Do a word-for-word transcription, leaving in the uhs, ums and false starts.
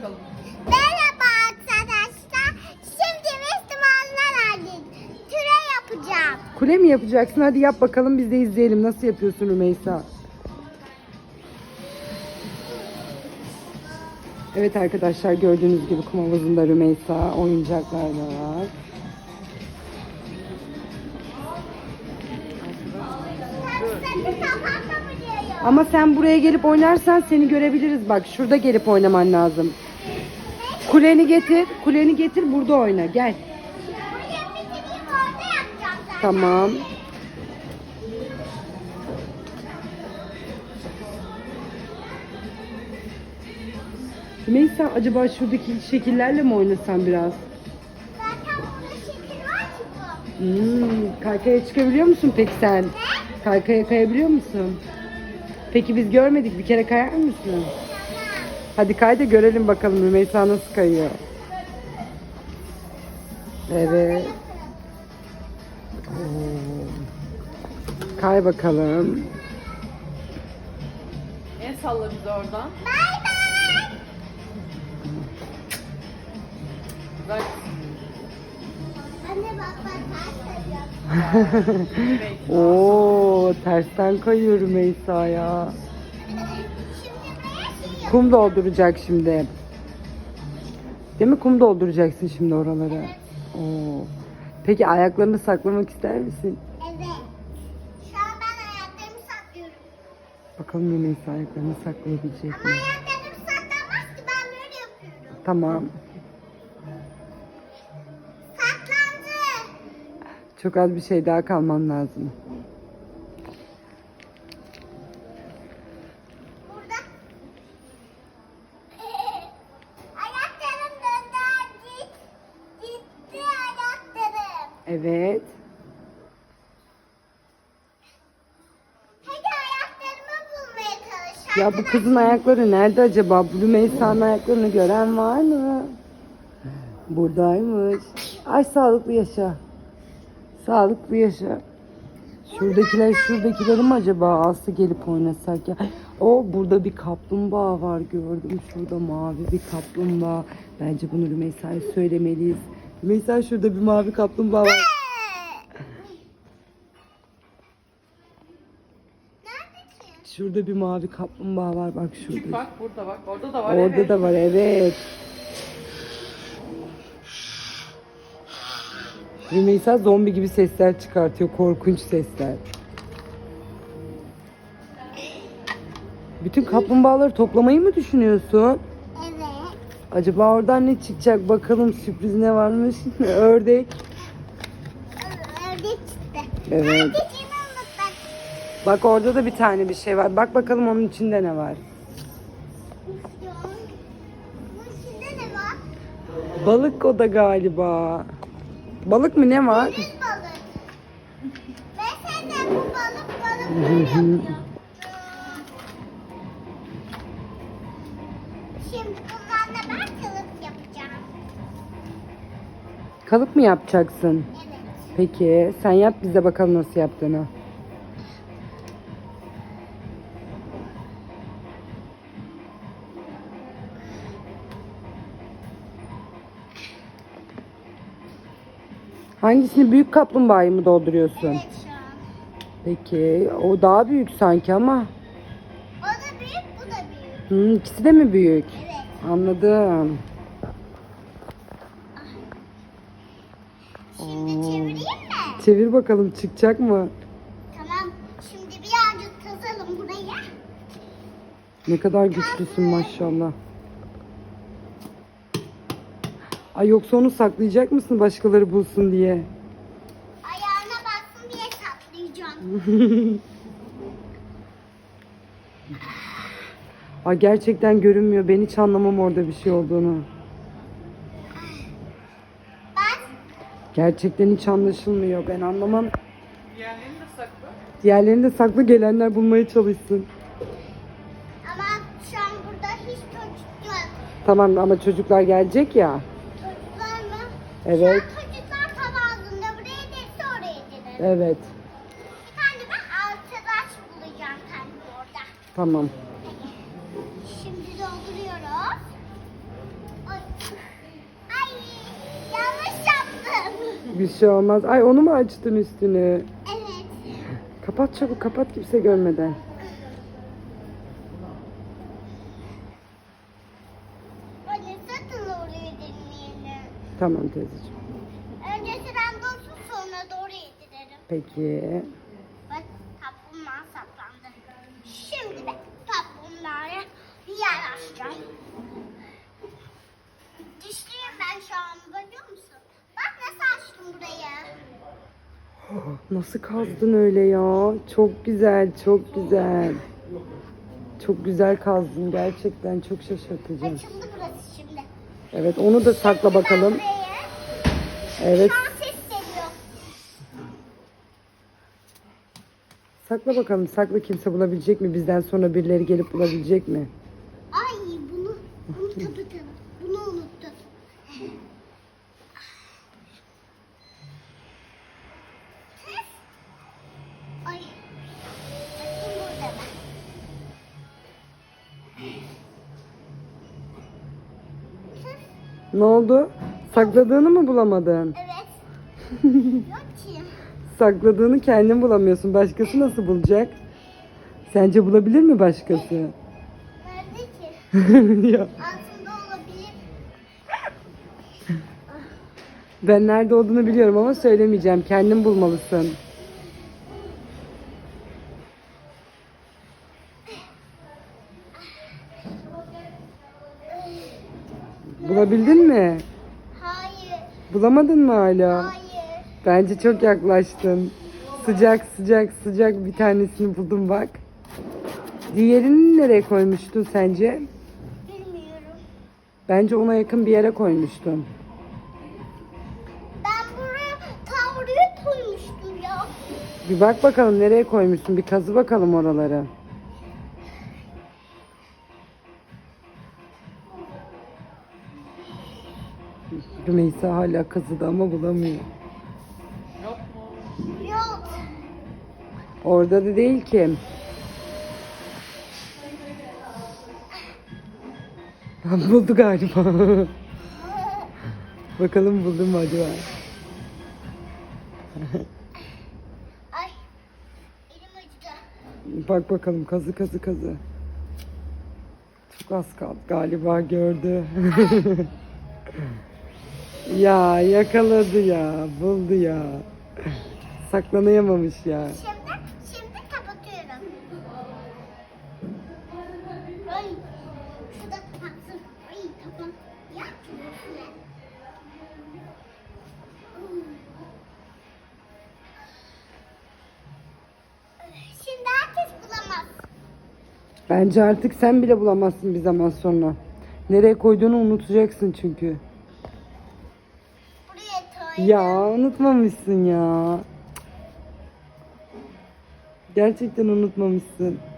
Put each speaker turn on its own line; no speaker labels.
bakalım.
Merhaba arkadaşlar. Şimdi Müslümanlar halinde türe yapacağım.
Kule mi yapacaksın? Hadi yap bakalım, biz de izleyelim. Nasıl yapıyorsun Rümeysa? Evet arkadaşlar, gördüğünüz gibi kum havuzunda Rümeysa, oyuncaklar da var.
Saçlarını kapatamıyorum.
Ama sen buraya gelip oynarsan seni görebiliriz. Bak şurada gelip oynaman lazım. Kuleni getir, kuleni getir, burada oyna. Gel.
Buraya bitireyim, orada yapacağım zaten.
Tamam. Rümeysa, acaba şuradaki şekillerle mi oynasan biraz?
Zaten burada şekil var ki bu.
Hmm, kaykaya çıkabiliyor musun peki sen? Kaykaya kayabiliyor musun? Peki biz görmedik, bir kere kayar mısın? Hadi kay da görelim bakalım Rümeysa nasıl kayıyor. Evet. Oo. Kay bakalım.
El salla bize oradan.
Bay bay.
Bak.
Anne bak ben ters kayıyorum.
Oo, tersten kayıyor Rümeysa ya.
Şimdi buraya şey yok.
Kum dolduracak şimdi. Değil mi? Kum dolduracaksın şimdi oralara. Oo. Peki ayaklarını saklamak ister misin?
Evet. Şu an ben ayaklarımı saklıyorum.
Bakalım Rümeysa ayaklarını saklayabilecek
Ama
mi?
ayaklarım saklanmaz ki, ben böyle yapıyorum.
Tamam.
Saklandı.
Çok az bir şey daha kalman lazım.
Burada. Ayaklarım döndü. Git. Gitti ayaklarım.
Evet.
Hadi ayaklarımı bulmaya çalış.
Ya bu kızın ayakları nerede acaba? Bu Rümeysa'nın ayaklarını gören var mı? Buradaymış. Ay sağlıklı yaşa. Sağlıklı yaşa. Şuradakiler şuradakileri mi acaba alsa gelip oynasak ya? O burada bir kaplumbağa var gördüm. Şurada mavi bir kaplumbağa. Bence bunu Rümeysa'ya söylemeliyiz. Rümeysa, şurada bir mavi kaplumbağa var.
Nerede ki?
Şurada bir mavi kaplumbağa var, bak
Küçük
şurada.
bak burada bak. Orada da var.
Orada
evet.
da var, evet. Rümeysa zombi gibi sesler çıkartıyor, korkunç sesler. Bütün kaplumbağaları toplamayı mı düşünüyorsun?
Evet.
Acaba oradan ne çıkacak bakalım, sürpriz ne varmış? Ördek.
Ördek çıktı.
Evet.
Ördeciğimi unuttum.
Bak orada da bir tane bir şey var. Bak bakalım onun içinde ne var.
Bunun içinde ne var?
Balık o da galiba. Balık mı, ne var?
Deniz balık. Mesela bu balık balık yapıyor. Şimdi bunlarla ben kılıç yapacağım.
Kalıp mı yapacaksın?
Evet.
Peki sen yap, bize bakalım nasıl yaptığını. Hangisini, büyük kaplumbağayı mı dolduruyorsun?
Evet şu an.
Peki o daha büyük sanki ama.
O da büyük, bu da büyük.
Hı, ikisi de mi büyük?
Evet.
Anladım.
Şimdi çevireyim mi?
Çevir bakalım, çıkacak mı?
Tamam. Şimdi birazcık kazalım buraya.
Ne kadar güçlüsün maşallah. Ay yoksa onu saklayacak mısın başkaları bulsun diye?
Ayağına bassın diye saklayacağım.
Ay gerçekten görünmüyor. Ben hiç anlamam orada bir şey olduğunu.
Bak.
Gerçekten hiç anlaşılmıyor. Ben anlamam.
Diğerlerini de sakla.
Diğerlerini de saklı, gelenler bulmaya çalışsın.
Ama şu an burada hiç çocuk yok.
Tamam ama çocuklar gelecek ya.
Çocuklar mı?
Evet.
Şu an çocuklar tabağında buraya gelirse oraya gelir.
Evet.
Bir tane ben arkadaş bulacağım kendim orada.
Tamam.
Şimdi dolduruyoruz.
Bir şey olmaz. Ay onu mu açtın üstünü?
Evet.
Kapat çabuk kapat kimse görmeden.
Anne satın oraya deneyelim.
Tamam teyzeciğim.
Önce sıram dolsun sonra doğru yedirelim.
Peki.
Bak kaplumbağa saplandı. Şimdi ben kaplumbağaya yer açacağım. Dişliyim ben şu an biliyor musun? Bak nasıl açtım burayı.
Nasıl kazdın öyle ya? Çok güzel, çok güzel. Çok güzel kazdın gerçekten çok şaşırtıcı.
Açıldı burası şimdi.
Evet onu da sakla bakalım. Evet
Şu an ses geliyor.
sakla bakalım sakla kimse bulabilecek mi? Bizden sonra birileri gelip bulabilecek mi?
Ay bunu unuttum. Bunu unuttum. Ay. Bakayım burada mı?
Ne oldu? Sakladığını mı bulamadın?
Evet. Yok ki.
Sakladığını kendin bulamıyorsun. Başkası nasıl bulacak? Sence bulabilir mi başkası?
Nerede ki?
Ya,
Altında olabilir.
ben nerede olduğunu biliyorum ama söylemeyeceğim. Kendin bulmalısın. Bulabildin mi?
Hayır.
Bulamadın mı hala?
Hayır.
Bence çok yaklaştın. Sıcak sıcak sıcak bir tanesini buldum bak. Diğerini nereye koymuştun sence?
Bilmiyorum.
Bence ona yakın bir yere koymuştun.
Ben buraya tavriye koymuştum ya.
Bir bak bakalım nereye koymuşsun. Bir kazı bakalım oraları. Rümeysa hala kazıdı ama bulamıyor.
Yok mu?
Yok.
Orada da değil ki. Buldu galiba. Bakalım buldum mu acaba?
Ay. Elim acıdı.
Bak bakalım kazı kazı kazı. Çok az kaldı galiba gördü. Ya yakaladı ya buldu ya. Saklanayamamış ya.
Şimdi, şimdi kapatıyorum. Ay. Şurada kapatsın. Ay kapat. Ya. Şimdi herkes bulamaz.
Bence artık sen bile bulamazsın bir zaman sonra. Nereye koyduğunu unutacaksın çünkü.
Buraya koy.
Ya unutmamışsın ya. Gerçekten unutmamışsın.